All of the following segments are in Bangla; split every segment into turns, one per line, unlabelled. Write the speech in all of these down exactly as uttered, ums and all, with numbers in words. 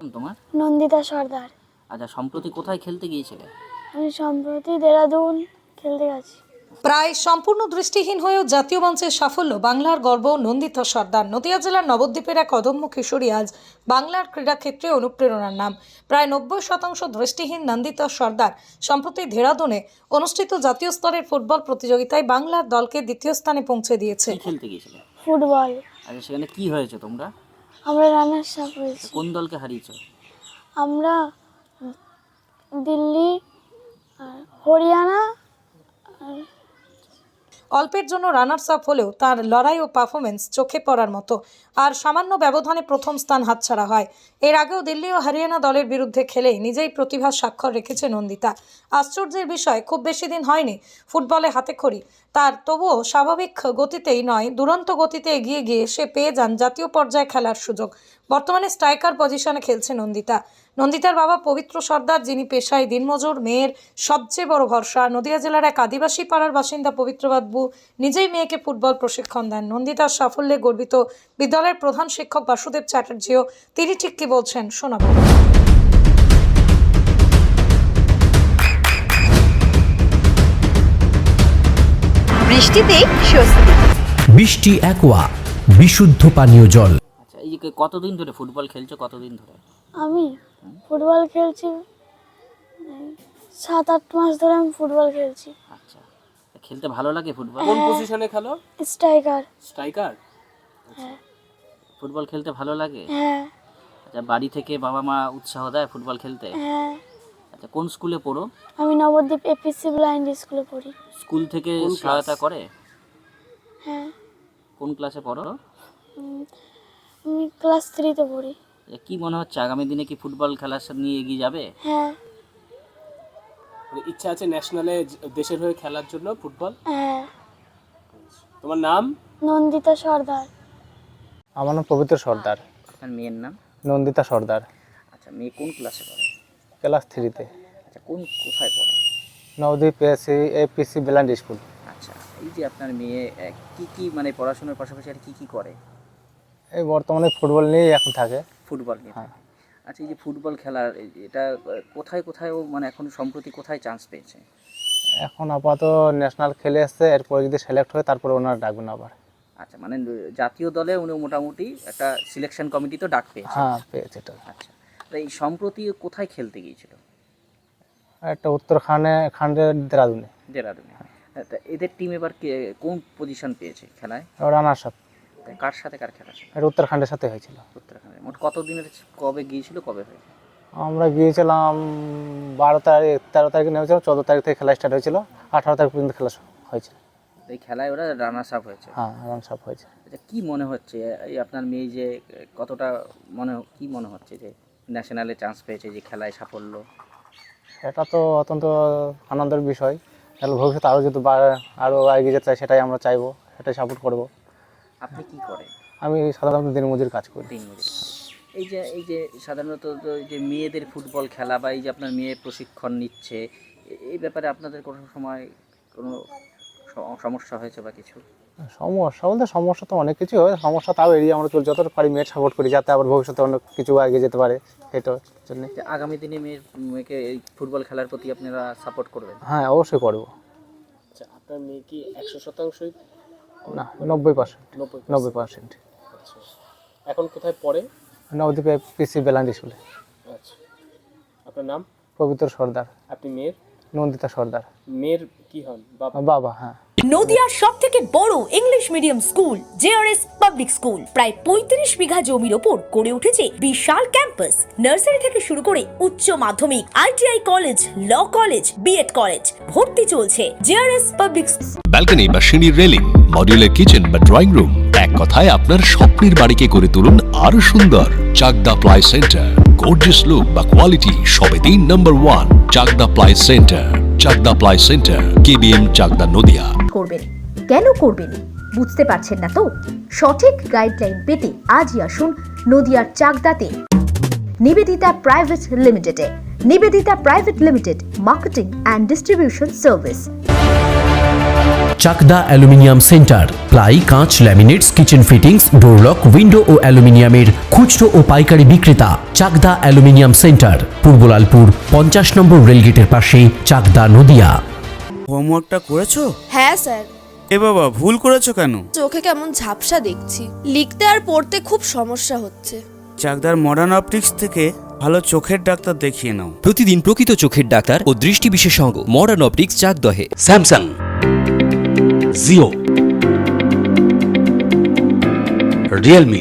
তোমার?
নন্দিতা সর্দার।
আচ্ছা, সম্প্রতি কোথায় খেলতে গিয়েছিলে?
আমি সম্প্রতি দেরাদুন খেলতে গেছি।
প্রায় সম্পূর্ণ দৃষ্টিহীন হয়েও জাতীয় মঞ্চের সাফল্য বাংলার গর্ব নন্দিতা সর্দার। নদিয়া জেলার নবদ্বীপের এক অদম্য কিশোরী আজ বাংলার ক্রীড়াক্ষেত্রে অনুপ্রেরণার নাম। প্রায় নব্বই শতাংশ দৃষ্টিহীন নন্দিতা সর্দার সম্প্রতি দেরাদুনে অনুষ্ঠিত জাতীয় স্তরের ফুটবল প্রতিযোগিতায় বাংলার দলকে দ্বিতীয় স্থানে পৌঁছে দিয়েছে।
কি খেলতে গিয়েছিলে?
ফুটবল।
আচ্ছা, সেখানে কি হয়েছে তোমরা?
আমরা রানার্স আপ হয়েছি।
কোন দলকে হারিয়েছো?
আমরা দিল্লি আর হরিয়ানা আর
অল্পের জন্য রানার্স আপ হলেও তার লড়াই ও পারফরমেন্স চোখে পড়ার মতো। আর সামান্য ব্যবধানে প্রথম স্থান হাতছাড়া হয়। এর আগেও দিল্লি ও হরিয়ানা দলের বিরুদ্ধে খেলেই নিজেই প্রতিভার স্বাক্ষর রেখেছে নন্দিতা। আশ্চর্যের বিষয়, খুব বেশি দিন হয়নি ফুটবলে হাতেখড়ি তার, তবুও স্বাভাবিক গতিতেই নয় দুরন্ত গতিতে এগিয়ে গিয়ে সে পেয়ে যান জাতীয় পর্যায়ে খেলার সুযোগ। বর্তমানে স্ট্রাইকার পজিশনে খেলছে নন্দিতা। নন্দিতার বাবা পবিত্র সর্দার, যিনি পেশায় দিনমজুর, মেয়ের সবচেয়ে বড় ভরসা। নদিয়া জেলার এক আদিবাসী পাড়ার বাসিন্দা পবিত্র বাবু নিজেই মেয়েকে ফুটবল প্রশিক্ষণ দেন। নন্দিতার সাফল্যে গর্বিত বিদ্যালয়ের প্রধান শিক্ষক বাসুদেব চ্যাটার্জিও। তিনি ঠিক কি বলছেন শোনাবো।
বৃষ্টিতে স্বস্তি।
বৃষ্টি অ্যাকোয়া বিশুদ্ধ পানীয় জল।
আচ্ছা, এই যে কতদিন ধরে ফুটবল খেলছো? কতদিন ধরে?
আমি ফুটবল খেলছি সাত আট মাস ধরে আমি ফুটবল খেলছি।
আচ্ছা, খেলতে ভালো লাগে ফুটবল?
কোন পজিশনে খেলো?
স্ট্রাইকার।
স্ট্রাইকার।
হ্যাঁ।
ফুটবল খেলতে ভালো লাগে?
হ্যাঁ।
আচ্ছা, বাড়ি থেকে বাবা মা উৎসাহ দেয় ফুটবল খেলতে?
হ্যাঁ।
আচ্ছা, কোন স্কুলে পড়ো?
আমি নবদ্বীপ এপিসি ব্লাইন্ড স্কুলে পড়ি।
স্কুল থেকে সহায়তা করে?
হ্যাঁ।
কোন ক্লাসে পড়ো?
উম, আমি ক্লাস থ্রিতে পড়ি।
কি মনে হচ্ছে আগামী দিনে কি ফুটবল খেলার সাথে নিয়ে এগিয়ে যাবে?
হ্যাঁ।
ইচ্ছা আছে ন্যাশনালে দেশের হয়ে খেলার জন্য ফুটবল?
হ্যাঁ।
তোমার নাম?
নন্দিতা সর্দার।
আমার নাম পবিত্র সর্দার।
আপনার মেয়ের নাম?
নন্দিতা সর্দার।
আচ্ছা, মেয়ে কোন ক্লাসে পড়ে?
ক্লাস থ্রিতে।
আচ্ছা, কোন কোথায় পড়ে?
নবদ্বীপ এসি এপিসি বেলান্ড স্কুল।
আচ্ছা, এই যে আপনার মেয়ে আহ, কি কি মানে পড়াশোনার পাশাপাশি আর কি কি করে?
এই বর্তমানে ফুটবল নিয়েই এখন থাকে।
ফুটবল নিয়ে?
হ্যাঁ।
আচ্ছা, এই যে ফুটবল খেলার এই- এটা আহ, কোথায় কোথায় ও মানে এখন সম্প্রতি কোথায় চান্স পেয়েছে?
এখন আপাতত ন্যাশনাল খেলে এসছে, এরপরে যদি সিলেক্ট হয় তারপরে ওনারা ডাকবেন আবার।
আচ্ছা, মানে জাতীয় দলে উনি মোটামুটি একটা সিলেকশন কমিটি তো ডাক পেয়েছে?
হ্যাঁ, পেয়েছে এটা।
আচ্ছা, তো এই সম্প্রতি ও কোথায় খেলতে গিয়েছিল?
একটা উত্তরখানে খান্ডের দেরাদুনে।
দেরাদুনে। তা এদের টিম এবার কে- কোন পজিশন পেয়েছে খেলায়?
রানার সাথে
তা কার সাথে কার খেলা ছিল?
এটা উত্তরাখণ্ডের সাথে হয়েছিল।
উত্তরাখণ্ডে। মোট কতদিনের কবে গিয়েছিল, কবে হয়েছে?
আমরা গিয়েছিলাম বারো তারিখ তেরো তারিখে নেমেছিলাম, চোদ্দো তারিখ থেকে খেলা স্টার্ট হয়েছিল, আঠারো তারিখ পর্যন্ত খেলা হয়েছে।
এই খেলায় ওরা রানার্স আপ হয়েছে?
হ্যাঁ, রান সাপ হয়েছে।
আচ্ছা, কি মনে হচ্ছে এই আপনার মেয়ে যে কতটা মনে কি মনে হচ্ছে যে ন্যাশনালে চান্স পেয়েছে, যে খেলায় সাফল্য?
এটা তো অত্যন্ত আনন্দের বিষয়। তাহলে ভবিষ্যতে আরও যদি বা- আরও এগিয়ে যেতে চাই, সেটাই আমরা চাইবো, সেটাই সাপোর্ট করব।
আপনি কি করেন?
আমি সাধারণত দিনমজুর কাজ করি।
দিনমজুর। এই যে এই যে সাধারণত তো এই যে মেয়েদের ফুটবল খেলা বা এই যে আপনার মেয়ে প্রশিক্ষণ নিচ্ছে, এ- এই ব্যাপারে আপনাদের কোনো সময় কোনো স- সমস্যা হয়েছে বা কিছু?
সমস্যা বলতে সমস্যা তো অনেক কিছু হয়, সমস্যা তাও এড়িয়ে আমরা চল যতটা পারি মেয়ের সাপোর্ট করি, যাতে আবার ভবিষ্যতে অনেক কিছু এগিয়ে যেতে পারে, এটার জন্য।
যে আগামী দিনে মেয়ের মেয়েকে এই ফুটবল খেলার প্রতি আপনারা সাপোর্ট করবেন?
হ্যাঁ, অবশ্যই করবো।
আচ্ছা, আপনার মেয়ে কি একশো শতাংশই?
না, নব্বই পার্সেন্ট।
নব্বই
নব্বই পার্সেন্ট।
আচ্ছা, এখন কোথায় পড়ে?
নবদ্বীপে পিসি বেলান্ড স্কুলে।
আচ্ছা, আপনার নাম?
পবিত্র সর্দার।
আপনি মেয়ের?
নন্দিতা সর্দার।
মেয়ের কি হন? বাবা?
বাবা। হ্যাঁ।
নদিয়ার সব থেকে বড় English medium school JRS public school প্রায় পঁয়ত্রিশ বিঘা জমির ওপর গড়ে উঠেছে বিশাল ক্যাম্পাস। নার্সারি থেকে শুরু করে উচ্চ মাধ্যমিক, ITI college, law college, BEd college, ভর্তি চলছে জেআরএস পাবলিক।
ব্যালকনি বা সিঁড়ির রেলিং, মডিউলার কিচেন বা ড্রয়িং রুম, এক কথায় আপনার স্বপ্নের বাড়িকে করে তুলুন আরো সুন্দর। Chakdah ply centre, gorgeous look বা কোয়ালিটি সবে দিন number one. Chakdah ply centre, Chakdah ply centre, KBM, Chakdah, Nadia.
করবেন কেন করবেন বুঝতে পারছেন না তো? সঠিক গাইডলাইন পেতে আজই আসুন নদিয়ার চাকদাতে নিবেদিতা প্রাইভেট লিমিটেডে। Nivedita private limited, marketing and distribution service.
Chakdah aluminium centre, ply, কাঁচ, laminates, kitchen fittings, door lock, window ও অ্যালুমিনিয়ামের খুচরো ও পাইকারি বিক্রেতা। চাকদা অ্যালুমিনিয়াম সেন্টার, পূর্বলালপুর, পঞ্চাশ নম্বর রেলগেটের পাশে, চাকদা, নদিয়া।
হোমওয়ার্কটা করেছো?
হ্যাঁ স্যার।
এ বাবা, ভুল করেছো কেন?
চোখে কেমন ঝাপসা দেখছি, লিখতে আর পড়তে খুব সমস্যা হচ্ছে।
চাকদার মডার্ন অপটিক্স থেকে ভালো চোখের ডাক্তার দেখিয়ে নাও।
প্রতিদিন প্রকৃত চোখের ডাক্তার ও দৃষ্টি বিশেষজ্ঞ মডার্ন অপটিক্স, চাকদহে।
স্যামসাং, জিও, রিয়েলমি,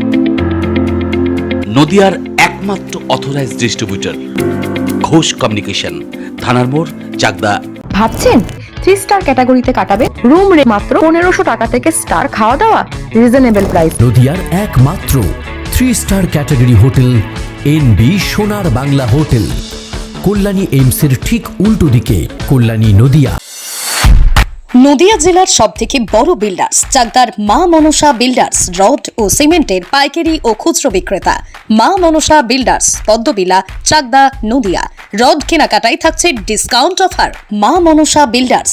নদিয়ার একমাত্র অথরাইজড ডিস্ট্রিবিউটর ঘোষ কমিউনিকেশন, থানার মোড়, চাকদা।
ভাবছেন থ্রি স্টার ক্যাটাগরিতে কাটাবেন? রুম রে মাত্র পনেরোশো টাকা থেকে স্টার, খাওয়া দাওয়া রিজনেবল প্রাইস।
নদিয়ার একমাত্র three star category hotel N B Sonar Bangla hotel, Kalyani এইমসের ঠিক উল্টো দিকে, কল্যাণী, নদিয়া।
নদিয়া জেলার সব থেকে বড় বিল্ডার্স চাকদার মা মনসা বিল্ডার্স, রড ও সিমেন্টের পাইকারি ও খুচরো বিক্রেতা। মা মনসা বিল্ডার্স, পদ্মবিলা, চাকদা, নদিয়া। রড কেনাকাটায় থাকছে ডিসকাউন্ট অফার। মা মনসা বিল্ডার্স,